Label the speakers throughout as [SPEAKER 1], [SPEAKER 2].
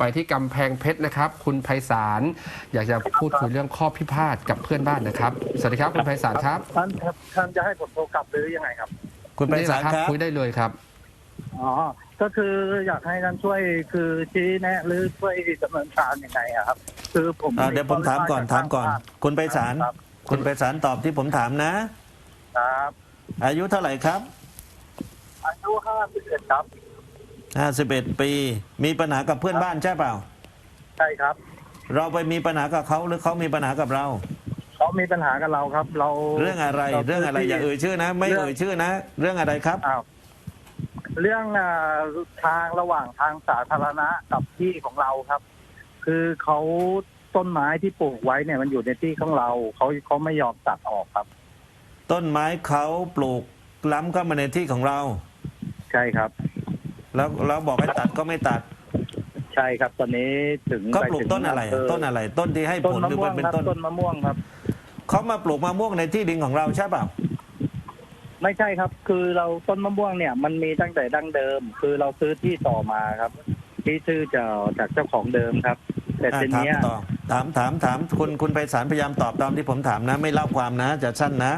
[SPEAKER 1] ไปที่กำแพงเพชรนะครับคุณไพศาลอยากจะพูดคุยเรื่องข้อพิพาทกับเพื่อนบ้านนะครับสวัสดีครับคุณไพศาลครับ
[SPEAKER 2] ท่านจะให้ผมโทรกลับหรือยังไงครับ
[SPEAKER 3] คุณไพศาลครับ
[SPEAKER 1] คุยได้เลยครับ
[SPEAKER 2] อ๋อก็คืออยากให้ท่านช่วยคือชี้แนะหรือช่วยดำเนินการยังไงครับคือผม
[SPEAKER 3] เดี๋ยวผมถามก่อนคุณไพศาลคุณไพศาลตอบที่ผมถามนะครับอายุเท่าไหร่ครับ
[SPEAKER 2] อายุ51ครับ
[SPEAKER 3] 51 ปีมีปัญหากับเพื่อนบ้านใช่เปล่า
[SPEAKER 2] ใช่ครับ
[SPEAKER 3] เราไปมีปัญหากับเขาหรือเขามีปัญหากับเรา
[SPEAKER 2] เขามีปัญหากับเราครับเรา
[SPEAKER 3] เรื่องอะไรอย่าเอ่ยชื่อนะไม่เอ่ยชื่อนะเรื่องอะไรครับ
[SPEAKER 2] เรื่องทางระหว่างทางสาธารณะกับที่ของเราครับคือเขาต้นไม้ที่ปลูกไว้เนี่ยมันอยู่ในที่ของเราเขาไม่ยอมตัดออกครับ
[SPEAKER 3] ต้นไม้เขาปลูกล้ำเข้ามาในที่ของเรา
[SPEAKER 2] ใช่ครับ
[SPEAKER 3] แล้วเราบอกให้ตัดก็ไม่ตัด
[SPEAKER 2] ใช่ครับตอนนี้ถึง
[SPEAKER 3] ก็ปลูกต้นอะไรต้นที่ให้ผลหรือเป็น
[SPEAKER 2] ต้นมะม่วงครับ
[SPEAKER 3] เขามาปลูกมะม่วงในที่ดินของเราใช่เปล่า
[SPEAKER 2] ไม่ใช่ครับคือเราต้นมะม่วงเนี่ยมันมีตั้งแต่ดั้งเดิมคือเราซื้อที่ต่อมาครับที่ซื้อจากเจ้าของเดิมครับแต่ทีนี้
[SPEAKER 3] ถามคุณไพศาลพยายามตอบตามที่ผมถามนะไม่เล่าความนะจะสั้นนะ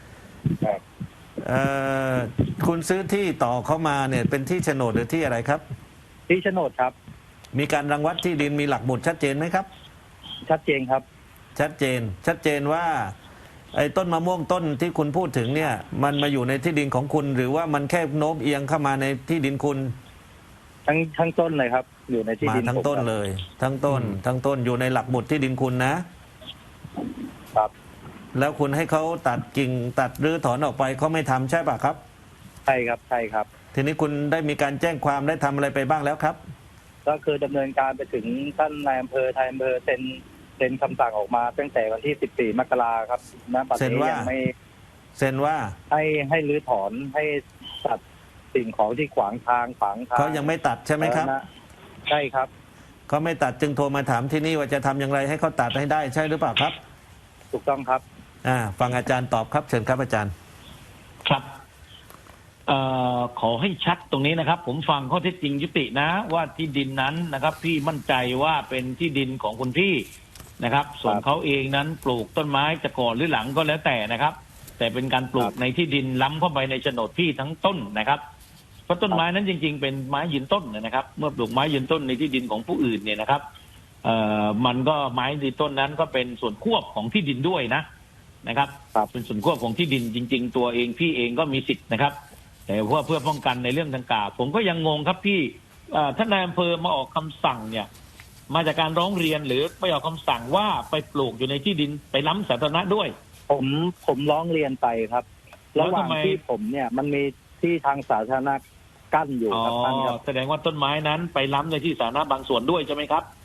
[SPEAKER 3] คุณซื้อที่ต่อเข้ามาเนี่ยเป็นที่โฉนดหรือที่อะไรครับ
[SPEAKER 2] ที่โฉนดครับ
[SPEAKER 3] มีการรังวัดที่ดินมีหลักบุตรชัดเจนไหมครับ
[SPEAKER 2] ชัดเจนครับ
[SPEAKER 3] ชัดเจนว่าไอ้ต้นมะม่วงต้นที่คุณพูดถึงเนี่ยมันมาอยู่ในที่ดินของคุณหรือว่ามันแค่โน้มเอียงเข้ามาในที่ดินคุณ
[SPEAKER 2] ทั้งต้นเลยครับอยู่ในที่ดิน
[SPEAKER 3] ทั้งต้นเลยทั้งต้นอยู่ในหลักบุตรที่ดินคุณนะครับแล้วคุณให้เขาตัดกิ่งตัดรื้อถอนออกไปเขาไม่ทำใช่ป่ะครับ
[SPEAKER 2] ใช่ครับ
[SPEAKER 3] ทีนี้คุณได้มีการแจ้งความได้ทำอะไรไปบ้างแล้วครับ
[SPEAKER 2] ก็คือดำเนินการไปถึงท่านนายอำเภอไทยอำเภอเซ็นคำสั่งออกมาตั้งแต่วันที่14 มกราครับณปัจจุบันยังไม่
[SPEAKER 3] เซ็นว่า
[SPEAKER 2] ให้รื้อถอนให้ตัดสิ่งของที่ขวางทาง
[SPEAKER 3] เขายังไม่ตัดใช่ไหมครับ
[SPEAKER 2] ใช่ครับ
[SPEAKER 3] เขาไม่ตัดจึงโทรมาถามที่นี่ว่าจะทำอย่างไรให้เขาตัดให้ได้ใช่หรือเปล่าครับ
[SPEAKER 2] ถูกต้องครับ
[SPEAKER 3] ฟังอาจารย์ตอบครับเชิญครับอาจารย์
[SPEAKER 4] ครับขอให้ชัดตรงนี้นะครับผมฟังข้อเท็จจริงยุตินะว่าที่ดินนั้นนะครับพี่มั่นใจว่าเป็นที่ดินของคุณพี่นะครับส่วนเขาเองนั้นปลูกต้นไม้จะก่อนหรือหลังก็แล้วแต่นะครับแต่เป็นการปลูกในที่ดินล้ำเข้าไปในโฉนดพี่ทั้งต้นนะครับเพราะต้นไม้นั้นจริงๆเป็นไม้ยืนต้นนะครับเมื่อปลูกไม้ยืนต้นในที่ดินของผู้อื่นเนี่ยนะครับมันก็ไม้ยืนต้นนั้นก็เป็นส่วนควบของที่ดินด้วยนะครับเป็นส่วนควบของที่ดินจริงๆตัวเองพี่เองก็มีสิทธิ์นะครับแต่เพื่อป้องกันในเรื่องดังกล่าวผมก็ยังงงครับพี่ท่านนายอำเภอมาออกคำสั่งเนี่ยมาจากการร้องเรียนหรือไปออกคำสั่งว่าไปปลูกอยู่ในที่ดินไปล้ำสาธารณะด้วย
[SPEAKER 2] ผมร้องเรียนไปครับระหว่างที่ผมเนี่ยมันมีที่ทางสาธารณะกั้นอยู่ครับท่านครับ
[SPEAKER 4] แสดงว่าต้นไม้นั้นไปล้ำในที่สาธารณะบางส่วนด้วยใช่ไหมครับ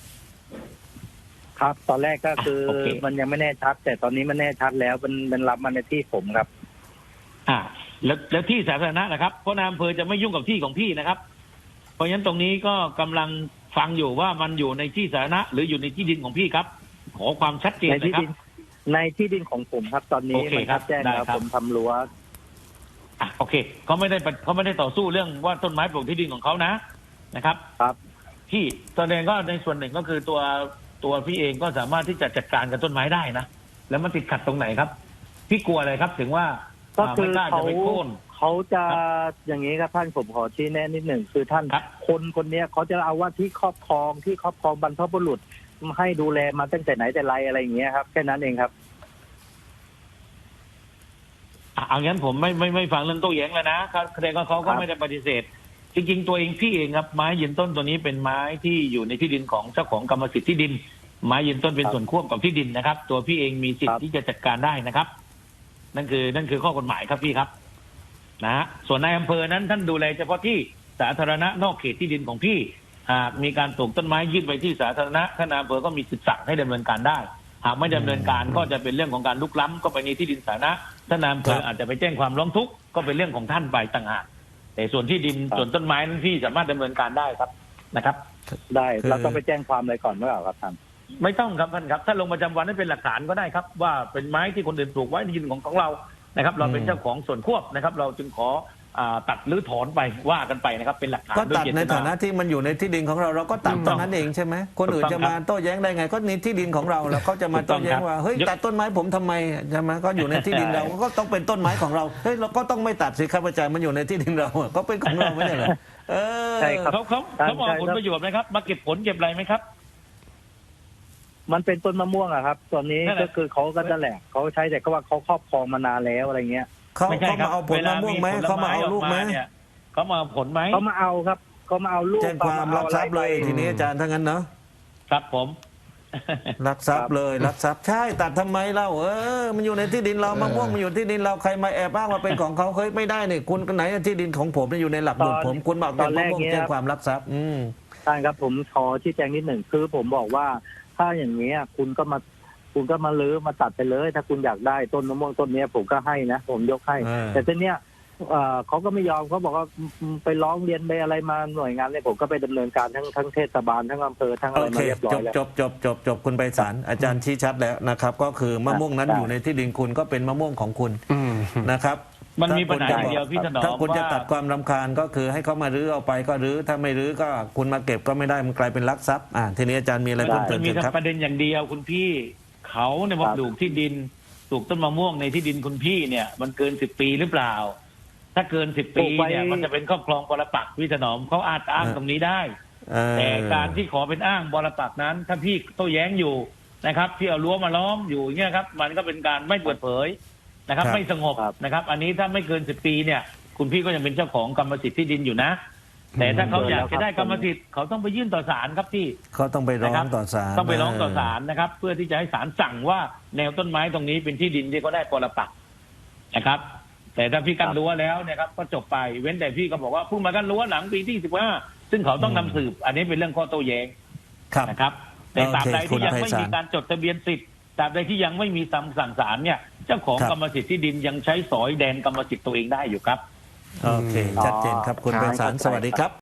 [SPEAKER 2] ครับตอนแรกก็คือมันยังไม่แน่ชัดแต่ตอนนี้มันแน่ชัดแล้วมันล้ำมาในที่ผมครับ
[SPEAKER 4] แล้วที่สาธารณะนะครับเพราะนายอำเภอจะไม่ยุ่งกับที่ของพี่นะครับเพราะฉะนั้นตรงนี้ก็กำลังฟังอยู่ว่ามันอยู่ในที่สาธารณะหรืออยู่ในที่ดินของพี่ครับขอความชัดเจนนะครับ
[SPEAKER 2] ในที่ดินของผมครับตอนนี้มันแจ้งแล้วผมทำรั้ว
[SPEAKER 4] โอเคเขาไม่ได้ต่อสู้เรื่องว่าต้นไม้ปลูกที่ดินของเขานะครับพี่แสดงก็ในส่วนหนึ่งก็คือตัวพี่เองก็สามารถที่จะจัดการกับต้นไม้ได้นะแล้วมันติดขัดตรงไหนครับพี่กลัวอะไรครับถึงว่า
[SPEAKER 2] ก็คือเขาจะอย่างนี้ครับท่านผมขอชี้แนะนิดหนึ่งคือท่านคนนี้เขาจะเอาว่าที่ครอบครองบรรพบุรุษให้ดูแลมาตั้งแต่ไหนแต่ไรอะไรอย่างเงี้ยครับแค่นั้นเองครับ
[SPEAKER 4] เอางั้นผมไม่ฟังเรื่องโต้แย้งแล้วนะแสดงว่าเขาก็ไม่ได้ปฏิเสธจริงๆตัวเองพี่เองครับไม้ยืนต้นตัวนี้เป็นไม้ที่อยู่ในที่ดินของเจ้าของกรรมสิทธิ์ที่ดินไม้ยืนต้นเป็นส่วนควบกับที่ดินนะครับตัวพี่เองมีสิทธิ์ที่จะจัดการได้นะครับนั่นคือข้อกฎหมายครับพี่ครับส่วนนายอำเภอนั้นท่านดูแลเฉพาะที่สาธารณะนอกเขตที่ดินของพี่หากมีการปลูกต้นไม้ยื่นไปที่สาธารณะท่านนายอำเภอก็มีสิทธิ์สั่งให้ดำเนินการได้หากไม่ดำเนินการก็จะเป็นเรื่องของการลุกล้ำก็ไปในที่ดินสาธารณะท่านนายอำเภออาจจะไปแจ้งความร้องทุกข์ก็เป็นเรื่องของท่านไปต่างหากแต่ส่วนที่ดินส่วนต้นไม้นั้นพี่สามารถดำเนินการได้ครับนะครับ
[SPEAKER 2] ได้เราต้องไปแจ้งความอะไรก่อนหรือเปล่าครับท่าน
[SPEAKER 4] ไม่ต้องครับท่านครับถ้าลงประจำวันให้เป็นหลักฐานก็ได้ครับว่าเป็นไม้ที่คนอื่นปลูกไว้ในที่ดินของเรานะครับเราเป็นเจ้าของส่วนควบนะครับเราจึงขอตัดหรือถอนไปว่ากันไปนะครับเป็นหลักฐาน
[SPEAKER 3] ก็ตัด
[SPEAKER 4] โยเจ
[SPEAKER 3] ใน
[SPEAKER 4] ต
[SPEAKER 3] ฐานะที่มันอยู่ในที่ดินของเราเราก็ตัด
[SPEAKER 4] ถูก
[SPEAKER 3] ต
[SPEAKER 4] ต้
[SPEAKER 3] ร
[SPEAKER 4] อง
[SPEAKER 3] งนั้นเองใช่ไหมคนอื่น
[SPEAKER 4] ถูกต้
[SPEAKER 3] จะ
[SPEAKER 4] อง
[SPEAKER 3] มาโต้แย้งได้ไงก็ในที่ดินของเราแล้วเขาจะมา
[SPEAKER 4] ถูกต้
[SPEAKER 3] โต้
[SPEAKER 4] อง
[SPEAKER 3] แย้งว่าเฮ้ย
[SPEAKER 4] ครับ
[SPEAKER 3] ตัดต้นไม้ผมทำไมใช่ไหมก็อยู่ในที่ดินเราก็ต้องเป็นต้นไม้ของเราเฮ้ยเราก็ต้องไม่ตัดสิครับอาจารย์มันอยู่ในที่ดินเราอะก็เป็นของเราไม่ใช่เหรอเออ
[SPEAKER 2] ใช่ครับ
[SPEAKER 4] เขามองผลประโยชน์ไหมครับ มาเก็บผลเก็บอะไรไหมครับ
[SPEAKER 2] มันเป็นต้นมะม่วงอะครับ ตอนนี้
[SPEAKER 4] นั่นแหละ
[SPEAKER 2] ก็คือเขาก็นั่นแหละเขาใช้แต่ก็ว่าเขาครอบครองมานานแล้วอะไรเงี้ย
[SPEAKER 3] เขา
[SPEAKER 4] ไม่ใช่
[SPEAKER 3] เขา
[SPEAKER 4] ครั
[SPEAKER 3] มาเอาผลมะม่วงไหม
[SPEAKER 4] วล
[SPEAKER 3] เขามาเอาลูกไหม
[SPEAKER 4] ผลเนี่ยเขามาเอาผลไหม
[SPEAKER 2] เขามาเอาครับเขามาเอาลูก
[SPEAKER 3] แจ้งความรักทรัพย์เลย
[SPEAKER 2] อาอะไรไป
[SPEAKER 3] ทีนี้อาจารย์ทั้งนั้นเนาะ
[SPEAKER 4] ครับผม
[SPEAKER 3] รักทรัพย์เลยรักทรัพย์ใช่ตัดทำไมเล่ามันอยู่ในที่ดินเรามะม่วงมันอยู่ที่ดินเราใครมาแอบอ้างว่าเป็นของเขาเฮ้ยไม่ได้นี่คุณไหนที่ดินของผมอยู่ในหลักบุตรผมคุณบอกเป็นมะม่วงแจ้งความรักทรัพย์
[SPEAKER 2] ท่านครับผมขอชี้แจงนิดหนึ่งคือผมบอกว่าถ้าอย่างนี้ยคุณก็มาลื้อมาตัดไปเลย ถ้าคุณอยากได้ต้นมะม่วงต้นเนี้ยผมก็ให้นะผมยกให้ แต่ทีเนี้ยเขาก็ไม่ยอมเขาบอกว่าไปร้องเรียนไปอะไรมาหน่วยงานเนี่ยผมก็ไปดำเนินการทั้งเทศบาลทั้งอำเภอทั้งอะไร
[SPEAKER 3] โอ
[SPEAKER 2] มา
[SPEAKER 3] เค
[SPEAKER 2] เรียบร้อยแล้ว
[SPEAKER 3] จบคุณไปศาลอาจารย์ชี้ชัดแล้วนะครับ ก็คือมะม่วงนั้น
[SPEAKER 2] ได้
[SPEAKER 3] อยู่ในที่ดินคุณก็เป็นมะม่วงของคุณ
[SPEAKER 1] อืม
[SPEAKER 3] นะครับ
[SPEAKER 4] มันมีปัญหา
[SPEAKER 3] ถ้
[SPEAKER 4] อย่างเดียวพี่ถนอม
[SPEAKER 3] ถ้าคุณจะ
[SPEAKER 4] ว่า
[SPEAKER 3] ตัดความรำคาญก็คือให้เขามารื้อเอาไปก็รื้อถ้าไม่รื้อก็คุณมาเก็บก็ไม่ได้มันกลายเป็นลักทรัพย์ทีนี้อาจารย์มีอะไรเพิ่มเติ
[SPEAKER 4] มั
[SPEAKER 3] ม
[SPEAKER 4] นมี
[SPEAKER 3] เชิญครับ
[SPEAKER 4] ประเด็นอย่างเดียวคุณพี่เขาเนี่ยมาปลูกที่ดินปลูกต้นมะม่วงในที่ดินคุณพี่เนี่ย มันเกิน10 ปีหรือเปล่า ถ้าเกิน10 ปีเนี่ยมันจะเป็นครอบครองปรปักษ์พี่ถนอมเขาอาจอ้างตรงนี้ได้ แต่การที่ขอเป็นอ้างบรปักษ์นั้น ถ้าพี่โต้แย้งอยู่นะครับที่เอารั้วมาล้อมอยู่อย่างเงี้ยครับ มันก็เป็นการไม่เปิดเผยนะครับ
[SPEAKER 3] ครับ
[SPEAKER 4] ไม่สงบนะครับ อันนี้ถ้าไม่เกิน10 ปีเนี่ย คุณพี่ก็ยังเป็นเจ้าของกรรมสิทธิ์ที่ดินอยู่นะ แต่ถ้าเขาอยากจะได้กรรมสิทธิ์เขาต้องไปยื่นต่อศาลครับพี่
[SPEAKER 3] เขาต้องไปร้องต่อศาล
[SPEAKER 4] ต้องไปร้องต่อศาลนะครับ เพื่อที่จะให้ศาลสั่งว่าแนวต้นไม้ตรงนี้เป็นที่ดินที่เขาได้ปรปักษ์นะครับ แต่ถ้าพี่กั้นรั้วแล้วเนี่ยครับก็จบไปเว้นแต่พี่ก็บอกว่าเพิ่งมากั้นรั้วหลังปีที่15ซึ่งเขาต้องนำสืบ อันนี้เป็นเรื่องข้อโต้แย้ง
[SPEAKER 3] ครับ
[SPEAKER 4] นะครับแต่ตราบใด
[SPEAKER 3] โอเค
[SPEAKER 4] ที่ยังไม่
[SPEAKER 3] คุณไพศาล
[SPEAKER 4] มีการจดทะเบียนสิทธิ์ตราบใดที่ยังไม่มีคำสั่งศาลเนี่ยเจ้าของ
[SPEAKER 3] ครับ
[SPEAKER 4] กรรมสิทธิ์ที่ดินยังใช้สอยแดนกรรมสิทธิ์ตัวเองได้อยู่ครับ
[SPEAKER 3] โอเคชัดเจนครับคุณ
[SPEAKER 1] ครับ
[SPEAKER 3] ไปศาลสวัสดีครับ